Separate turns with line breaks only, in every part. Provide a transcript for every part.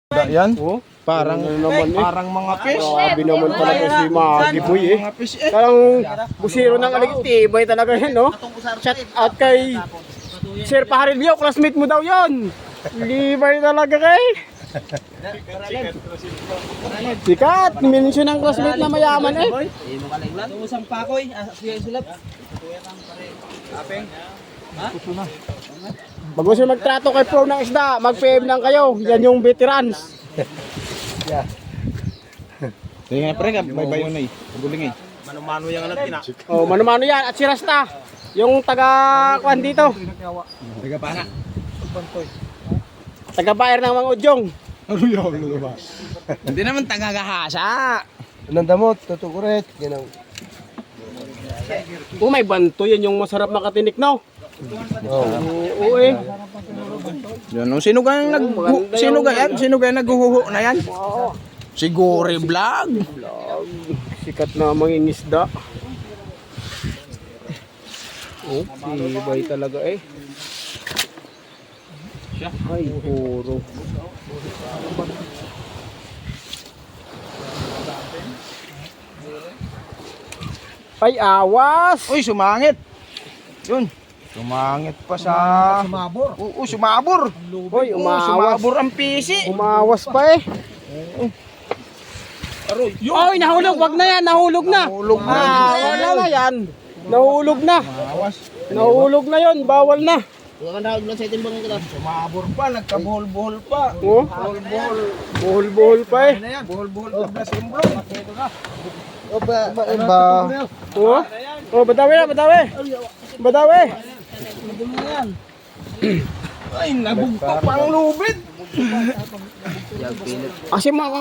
Yan?
Oh,
Parang
naman
parang mga fish.
Grabe naman talaga si Magi Boy eh.
Mga fish eh.
Parang busiro ng aligtibay talaga yan, no? Shout out kay Sir Paharilio, classmate mo daw yon. Libay talaga kay. Sikat, mention ng classmate na mayaman eh.
Usang pakoy, siya sulap.
Bago siya magtrato kay Pro ng isda, mag-PM lang kayo. Yan yung veterans.
Sige nga pre, may bayo na eh. Guling eh.
Mano-mano yung alam tina.
Oh, mano-mano yan. At si Rasta, yung taga-kuhan dito.
Taga pana.
Taga-bayer ng mga udyong.
Ano yun ba? Hindi naman taga-gahasa.
Nandamot, tutukuret, ganun.
Oh, may banto. Yan yung masarap makatinik, no? Oo eh.
Yan, oh, sino kaya naghuhuho na yan? Si Gory Vlog.
Sikat na mangingisda. Oh, sibay talaga eh. Ay, puro. Ay, awas!
Uy, sumangit. Yun. Sumangit pa sa...
Sumabor.
Oo, sumabor.
Hoy, umawas.
Sumabor ang pisi.
Umawas pa eh. Oy, nahulog. Wag na yan. Nahulog na.
Nahulog na.
Wala na yan. Nahulog na. Nahulog na yon. Bawal na.
Sumabor pa, nagkabuhol-buhol pa.
Oh,
Buhol-buhol.
buhol-buhol pa eh.
Buhol-buhol pa na simbrong.
Oh, oh, badawi na, badawi. Badawi.
Ay, nabugtok pa ang lubid.
Kasi mga...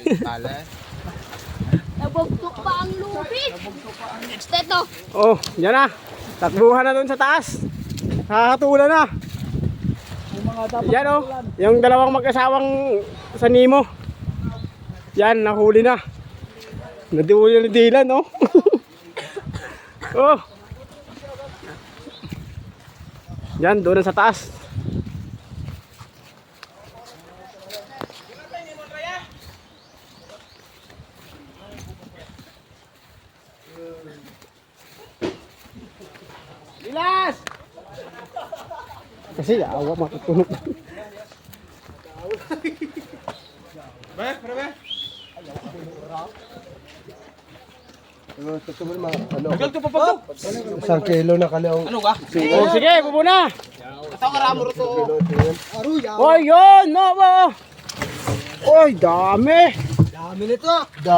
Nabugtok pa ang lupit. Steto.
Oh, yan na. Takbuhan na doon sa taas. Nakakatulan na. Yan oh, yung dalawang mag-asawang sa Nemo. Yan, nahuli na. Nadiuli na ni Dylan, oh. Oh. Yan, doon sa taas. Lilas! Kasi awa matutunog.
Tagal ko pa pagod.
Isang kilo na kalaong.
Ano ka?
Oh, sige, bubo na.
Ito karamo rin to.
Oy, yun! No, Oy, dami!
Dami nito.